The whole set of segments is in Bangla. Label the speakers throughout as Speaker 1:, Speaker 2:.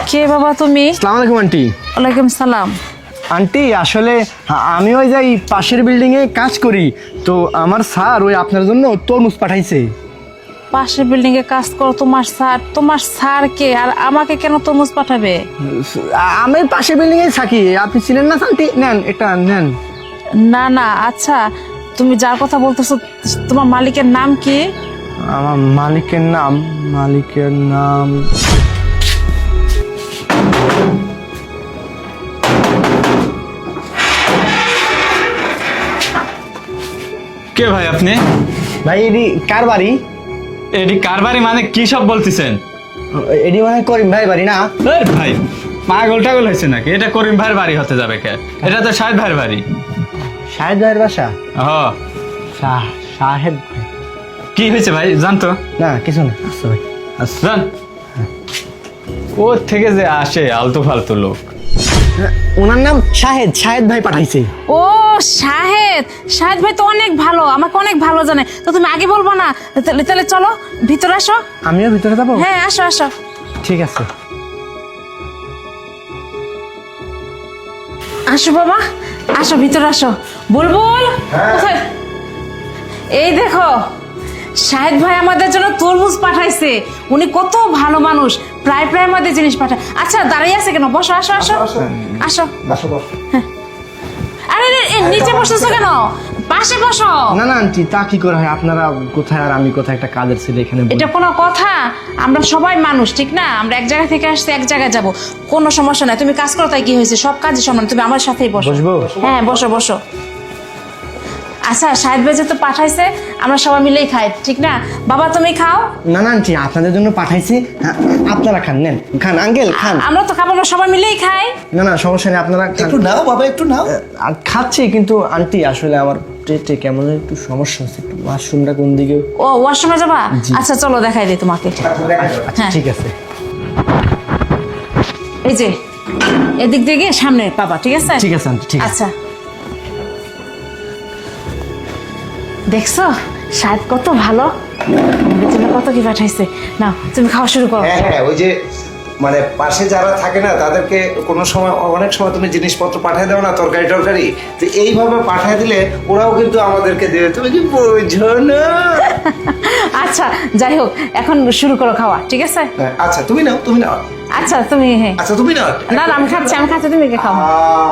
Speaker 1: কে বাবা তুমি?
Speaker 2: আসসালামু আলাইকুম আন্টি।
Speaker 1: ওয়ালাইকুম সালাম।
Speaker 2: আন্টি আসলে আমি ওই যাই পাশের বিল্ডিংয়ে কাজ করি, তো আমার স্যার ওই আপনার জন্য তরমুজ পাঠাইছে।
Speaker 1: পাশের বিল্ডিং এ কাজ করো তোমার স্যার কে আর আমাকে কেন তরমুজ পাঠাবে?
Speaker 2: আমি পাশের বিল্ডিংয়ে থাকি, আপনি চিনেন না আন্টি? নেন এটা নেন।
Speaker 1: না না, আচ্ছা তুমি যার কথা বলতেছো তোমার মালিকের নাম কি?
Speaker 2: আমার মালিকের নাম
Speaker 3: কে ভাই আপনি?
Speaker 2: ভাই এডি কার বাড়ি?
Speaker 3: এডি কার বাড়ি মানে কি সব বলতেছেন?
Speaker 2: এডি মানে করিম ভাই বাড়ি না?
Speaker 3: এই ভাই পাগল টাগল হয়েছে নাকি? এটা করিম ভাইয়ের বাড়ি হতে যাবে কে? এটা তো শাহেদ ভাইয়ের বাড়ি।
Speaker 2: শাহেদ ভাইয়ের বাসা? শাহেদ ভাই
Speaker 3: কি হয়েছে ভাই জানতো?
Speaker 2: না কিছু না। আচ্ছা ভাই
Speaker 3: জান ও থেকে যে আসে আলতু ফালতু লোক।
Speaker 2: ওনার নাম শাহেদ ভাই পাঠাইছে।
Speaker 1: ও শাহেদ ভাই তো অনেক ভালো, আমাকে অনেক ভালো জানে। তো তুমি আগে বলবো না? তাহলে চলো ভিতরে আসো।
Speaker 2: আমিও ভিতরে যাবো?
Speaker 1: হ্যাঁ আসো আসো।
Speaker 2: ঠিক আছে।
Speaker 1: আসো বাবা, আসো ভিতরে আসো। বুলবুল কোথায়? এই দেখো শাহেদ ভাই আমাদের জন্য তরমুজ পাঠাইছে। উনি কত ভালো মানুষ, প্রায় আমাদের জিনিস পাঠায়। আচ্ছা দাঁড়িয়ে আছে কেন? বসো, আসো আসো আসো। আরে নিচে বসেছো কেন? পাশে বসো।
Speaker 2: না না আন্টি, তা কি করে হয়? আপনারা কোথায় আর আমি কোথায়, একটা কাজের ছিল এখানে।
Speaker 1: এটা কোনো কথা? আমরা সবাই মানুষ, ঠিক না? আমরা এক জায়গা থেকে আসছি, এক জায়গায় যাব, কোনো সমস্যা নাই। তুমি কাজ করো, তাই কি হয়েছে? সব কাজই সমান, তুমি আমার সাথেই বসো।
Speaker 2: বসবো?
Speaker 1: হ্যাঁ বসো বসো। আচ্ছা শাহেদ ভাই তো পাঠাইছে, আমরা সবাই মিলেই খাই, ঠিক না? বাবা তুমি খাও।
Speaker 2: না না আন্টি, আপনাদের জন্য পাঠাইছি, আপনারা খান। নেন খান আঙ্কেল খান।
Speaker 1: আমরা তো খাবো, আমরা সবাই মিলেই খাই।
Speaker 2: না না সমস্যা নেই, আপনারা খান।
Speaker 4: একটু নাও বাবা, একটু নাও।
Speaker 2: আর খাচ্ছি, কিন্তু আন্টি আসলে আমার পেটে কেমন যেন একটু সমস্যা হচ্ছে। একটু ওয়াশরুমটা কোন দিকে?
Speaker 1: ও ওয়াশরুমে যাবা? আচ্ছা চলো দেখাই দিই তোমাকে।
Speaker 2: আচ্ছা
Speaker 1: হ্যাঁ।
Speaker 2: ঠিক আছে।
Speaker 1: এই যে এদিক দিয়ে গিয়ে সামনে পাবা, ঠিক আছে?
Speaker 2: ঠিক আছে আন্টি, ঠিক আছে।
Speaker 1: আচ্ছা দেখছো শাহেদ কত ভালো, আমাদের জন্য কত কি পাঠাইছে। না তুমি খাওয়া শুরু করো।
Speaker 4: হ্যাঁ হ্যাঁ, ওই যে মানে পাশে যারা থাকে না তাদেরকে কোনো সময়, অনেক সময় তুমি জিনিসপত্র পাঠিয়ে দাও না, তরকারি টরকারি, তো এইভাবে পাঠিয়ে দিলে ওরাও কিন্তু আমাদেরকে দেবে। তুমি কি বোঝো না?
Speaker 1: আচ্ছা যাই হোক, এখন শুরু করো খাওয়া, ঠিক আছে?
Speaker 4: হ্যাঁ, আচ্ছা তুমি নাও, তুমি নাও।
Speaker 1: আচ্ছা তুমি, হ্যাঁ।
Speaker 4: আচ্ছা তুমি নাও।
Speaker 1: না না আমি খাচ্ছি, তুমি কে খাও।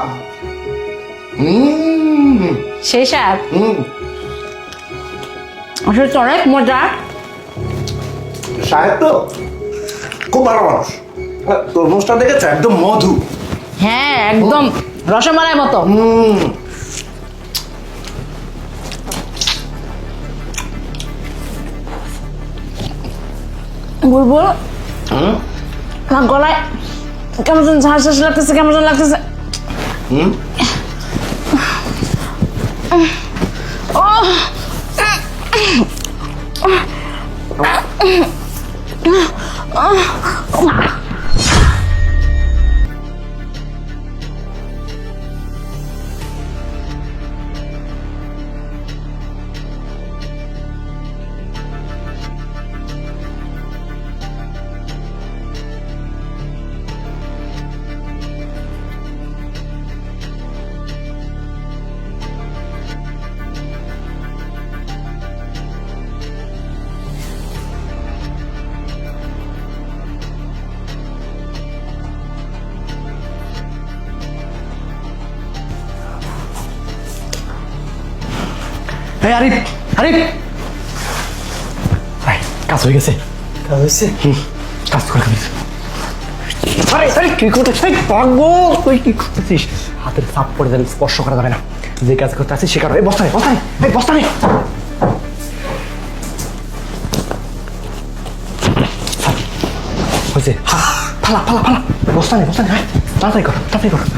Speaker 1: সেই স্বাদ, আসলে তো অনেক মজা।
Speaker 4: সাহেব তো খুব ভালো মানুষ। তরমুজটা দেখেছো, একদম মধু।
Speaker 1: হ্যাঁ একদম রসমালাই মতো। বুলবুল আমার গলায় কেমন যেন ঝাঁস লাগতেছে, কেমন যেন লাগতেছে।
Speaker 2: এই আরিফ, আরিফ ভাই, কাজ হয়ে গেছে।
Speaker 4: কাজ হয়েছে?
Speaker 2: কাজ করে খাবি। আরে আরে কি করতেছিস? পাগল তুই কি করতেছিস? হাতের চাপ পড়ে যাবে, স্পর্শ করা যাবে না। যে কাজ করতে আছিস সে কারো। এই বস্তা নে, এই বস্তা নে। হয়েছে, ফালা ফালা ফালা, বস্তা নে, হ্যাঁ তাড়াতাড়ি কর, তাড়াতাড়ি কর।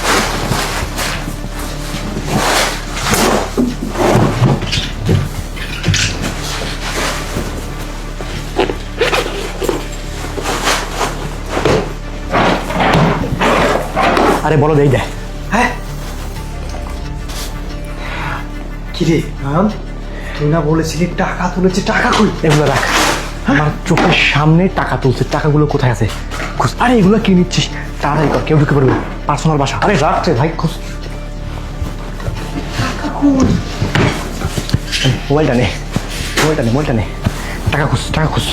Speaker 2: আরে বলো দেই দেয়।
Speaker 4: হ্যাঁ কি রে রাম, তুই না বলেছিলি টাকা তুলেছি, টাকা কই?
Speaker 2: এগুলো রাখ। আমার চোখের সামনে টাকা তুলছে, টাকাগুলো কোথায় আছে খোঁজ। আরে এগুলো কি নিচ্ছিস? তাড়াতাড়ি কর, কেউ ঢুকে পড়বে, পার্সোনাল বাসা। আরে রাখ রে ভাই, খোঁজ। মোবাইলটা নে, মোবাইলটা নে, টাকা খোঁজ, টাকা খোঁজ।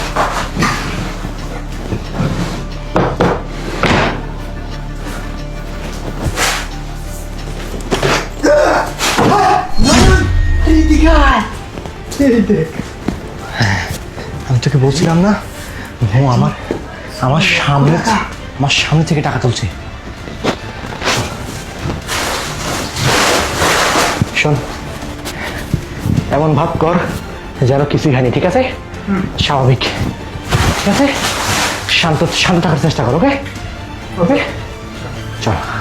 Speaker 2: আমি তোকে বলছিলাম না, ও আমার সামনে থেকে টাকা তুলছে। শোন, এমন ভাব কর যেন কিছুই হয়নি, ঠিক আছে? স্বাভাবিক, ঠিক আছে? শান্ত থাকার চেষ্টা কর, ওকে? ওকে, চল।